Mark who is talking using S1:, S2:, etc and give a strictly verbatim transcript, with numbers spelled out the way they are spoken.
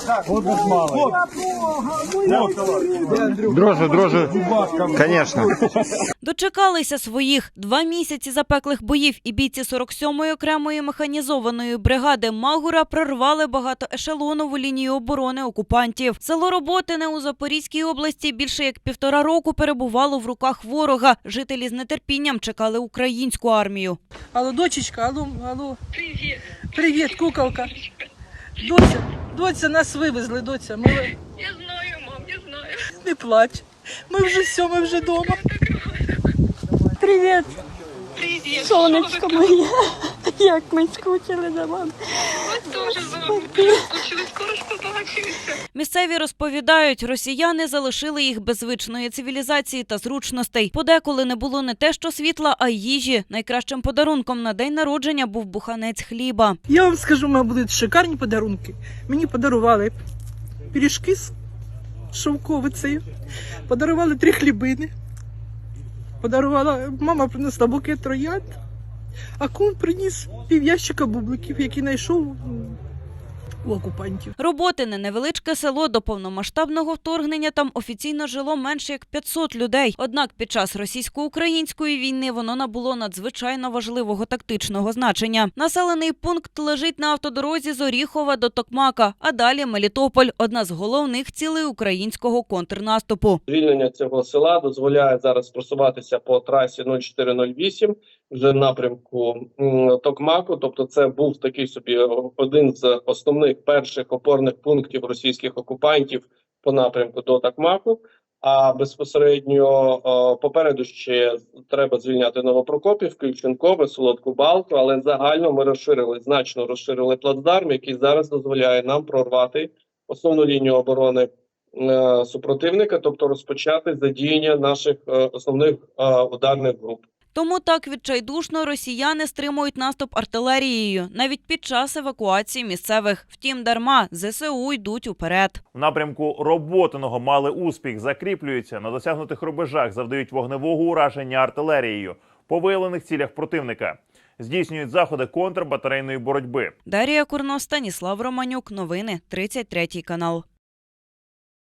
S1: Дрожжи, дрожжи, конечно.
S2: Дочекалися своїх. Два місяці запеклих боїв і бійці сорок сьомої окремої механізованої бригади Магура прорвали багатоешелонову лінію оборони окупантів. Село Роботине у Запорізькій області більше як півтора року перебувало в руках ворога. Жителі з нетерпінням чекали українську армію.
S3: Алло, дочечка, алло, алло. Привіт. Привіт, куколка. Доця, доця, нас вивезли, доця. Ми...
S4: Я знаю, мам, я знаю.
S3: Не плач. Ми вже все, ми вже вдома. Привіт.
S4: Привіт.
S5: Сонечко моє, як ми скучили за вами.
S4: Ми теж за вами скучили, скоро ж побачимося.
S2: Місцеві розповідають, росіяни залишили їх без звичної цивілізації та зручностей. Подеколи не було не те що світла, а й їжі. Найкращим подарунком на день народження був буханець хліба.
S3: Я вам скажу, у мене будуть шикарні подарунки. Мені подарували пиріжки з шовковицею, подарували три хлібини. Подарувала, мама принесла букет троянд, а кум приніс пів'ящика бубликів, які знайшов у окупантів.
S2: Роботине – невеличке село. До повномасштабного вторгнення там офіційно жило менше як п'ятсот людей. Однак під час російсько-української війни воно набуло надзвичайно важливого тактичного значення. Населений пункт лежить на автодорозі з Оріхова до Токмака, а далі Мелітополь – одна з головних цілей українського контрнаступу.
S6: Звільнення цього села дозволяє зараз просуватися по трасі нуль чотири нуль вісім вже в напрямку Токмаку. Тобто це був такий собі один з основних перших опорних пунктів російських окупантів по напрямку до Токмаку. А безпосередньо попереду ще треба звільняти Новопрокопівку, Ільченкове, Солодку Балку, але загально ми розширили, значно розширили плацдарм, який зараз дозволяє нам прорвати основну лінію оборони супротивника, тобто розпочати задіяння наших основних ударних груп.
S2: Тому так відчайдушно росіяни стримують наступ артилерією, навіть під час евакуації місцевих. Втім, дарма, зе се у йдуть уперед.
S7: В напрямку Роботиного мали успіх, закріплюються, на досягнутих рубежах завдають вогневого ураження артилерією по виявлених цілях противника. Здійснюють заходи контрбатарейної боротьби.
S2: Дарія Курно, Станіслав Романюк. Новини. тридцять третій канал.